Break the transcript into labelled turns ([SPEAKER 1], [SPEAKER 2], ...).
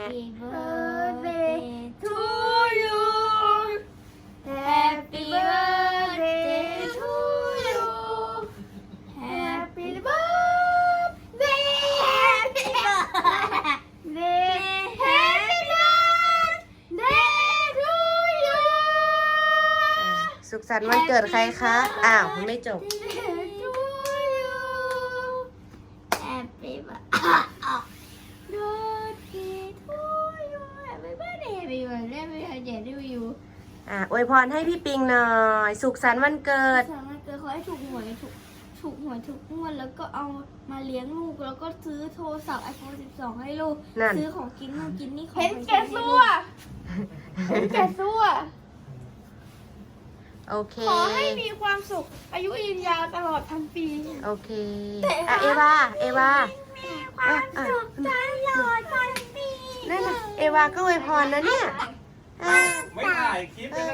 [SPEAKER 1] Happy birthday to you Happy birthday to you Happy birthday Happy birthday Happy birthday to you
[SPEAKER 2] สุขสันต์วันเกิดใครคะอ้าวไม่จบ
[SPEAKER 1] Happy birthday to you Happy birthday Happy birthday to you
[SPEAKER 2] อวยพรให้พี่ปิงหน่อย สุขสันต์วันเกิด
[SPEAKER 1] สามารถเกิดขอให้ถูกหวยถูกหวยทุกงวดแล้วก็เอามาเลี้ยงลูกแล้วก็ซื้อโทรศัพท์ iPhone 12 ให้ลูก
[SPEAKER 2] นั่น
[SPEAKER 1] ซื้อของกินนู่นกินนี่ของ
[SPEAKER 3] เห็นแก่ตัวเห็นแก่ตัว
[SPEAKER 2] โอเค
[SPEAKER 3] ขอให้มีความสุข อายุยืนยาวตลอดทั้งปี
[SPEAKER 2] โอเคเอวา
[SPEAKER 1] มีความสุขตลอดทั้งปี
[SPEAKER 2] นั่นน่ะเอวาก็อวยพรนะเนี่ย
[SPEAKER 4] ไม่ถ่ายคลิปเป็น